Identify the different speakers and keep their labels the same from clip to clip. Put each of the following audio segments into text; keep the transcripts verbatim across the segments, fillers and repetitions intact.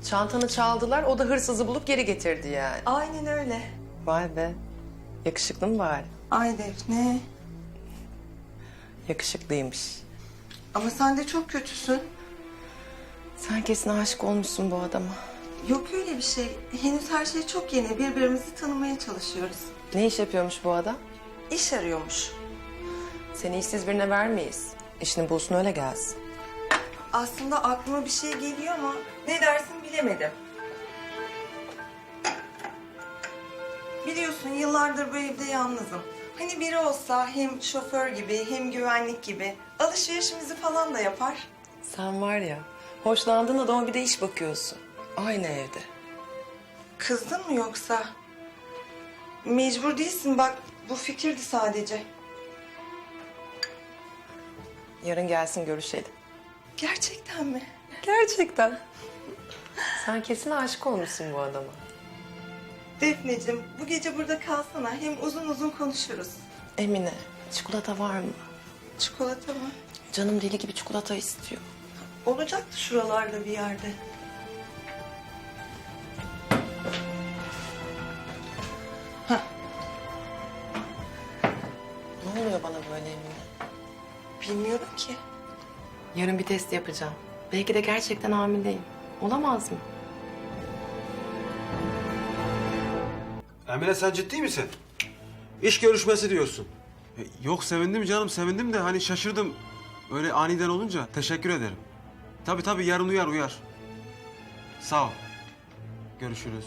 Speaker 1: Çantanı çaldılar, o da hırsızı bulup geri getirdi yani.
Speaker 2: Aynen öyle.
Speaker 1: Vay be. Yakışıklı mı bari?
Speaker 2: Ay Defne.
Speaker 1: Yakışıklıymış.
Speaker 2: Ama sen de çok kötüsün.
Speaker 1: Sen kesin aşık olmuşsun bu adama.
Speaker 2: Yok öyle bir şey. Henüz her şey çok yeni. Birbirimizi tanımaya çalışıyoruz.
Speaker 1: Ne iş yapıyormuş bu adam?
Speaker 2: İş arıyormuş.
Speaker 1: Seni işsiz birine vermeyiz. İşini bulsun öyle gelsin.
Speaker 2: Aslında aklıma bir şey geliyor ama ne dersin bilemedim. Biliyorsun yıllardır bu evde yalnızım. Hani biri olsa hem şoför gibi hem güvenlik gibi alışverişimizi falan da yapar.
Speaker 1: Sen var ya, hoşlandığın adama bir de iş bakıyorsun. Aynı evde.
Speaker 2: Kızdın mı yoksa? Mecbur değilsin bak, bu fikirdi sadece.
Speaker 1: Yarın gelsin görüşelim.
Speaker 2: Gerçekten mi?
Speaker 1: Gerçekten. Sen kesin aşık olmuşsun bu adama.
Speaker 2: Defneciğim, bu gece burada kalsana. Hem uzun uzun konuşuruz.
Speaker 1: Emine, çikolata var mı?
Speaker 2: Çikolata mı?
Speaker 1: Canım deli gibi çikolata istiyor.
Speaker 2: Olacaktı şuralarda bir yerde. Hah.
Speaker 1: Ne oluyor bana böyle Emine?
Speaker 2: Bilmiyorum ki.
Speaker 1: Yarın bir test yapacağım. Belki de gerçekten hamileyim. Olamaz mı?
Speaker 3: Emine sen ciddi misin? İş görüşmesi diyorsun. E, Yok sevindim canım sevindim de hani şaşırdım. Öyle aniden olunca teşekkür ederim. Tabii tabii yarın uyar uyar. Sağ ol. Görüşürüz.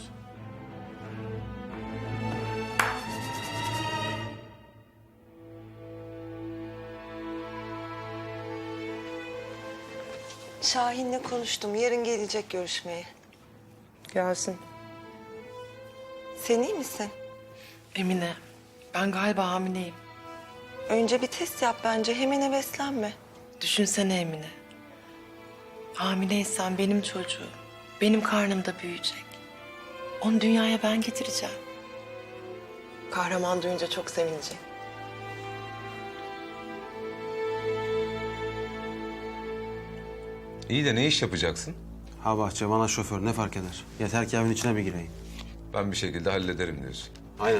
Speaker 2: Şahin'le konuştum. Yarın gelecek görüşmeye.
Speaker 1: Gelsin.
Speaker 2: Sen iyi misin?
Speaker 1: Emine, ben galiba hamileyim.
Speaker 2: Önce bir test yap bence. Hemen heveslenme.
Speaker 1: Düşünsene Emine. Hamileysen benim çocuğum. Benim karnımda büyüyecek. Onu dünyaya ben getireceğim. Kahraman duyunca çok sevinecek.
Speaker 4: İyi de ne iş yapacaksın?
Speaker 3: Ha bahçe bana şoför ne fark eder? Yeter ki evin içine bir gireyim.
Speaker 4: Ben bir şekilde hallederim diyorsun.
Speaker 3: Aynen.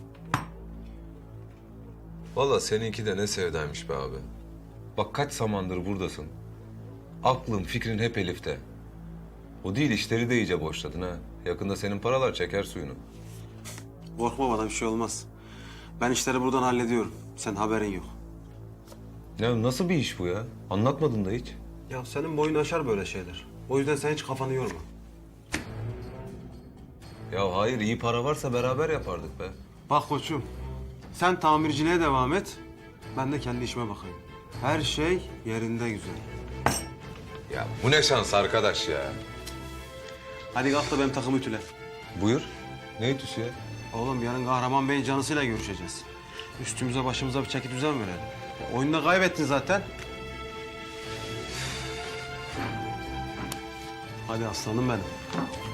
Speaker 4: Vallahi seninki de ne sevdaymış be abi. Bak kaç zamandır buradasın. Aklın, fikrin hep Elif'te. O değil işleri de iyice boşladın ha. Yakında senin paralar çeker suyunu.
Speaker 3: Korkma bana bir şey olmaz. Ben işleri buradan hallediyorum. Sen haberin yok.
Speaker 4: Ya nasıl bir iş bu ya? Anlatmadın da hiç.
Speaker 3: Ya senin boyun aşar böyle şeyler. O yüzden sen hiç kafanı yorma.
Speaker 4: Ya hayır iyi para varsa beraber yapardık be.
Speaker 3: Bak koçum, sen tamirciliğe devam et. Ben de kendi işime bakayım. Her şey yerinde güzel.
Speaker 4: Ya bu ne şans arkadaş ya.
Speaker 3: Hadi kalk da benim takımı ütüle.
Speaker 4: Buyur. Ne ütüsü ya?
Speaker 3: Oğlum yarın Kahraman Bey'in canısıyla görüşeceğiz. Üstümüze başımıza bir çeki düzen verelim. Ya, oyunda kaybettin zaten. Hadi aslanım benim.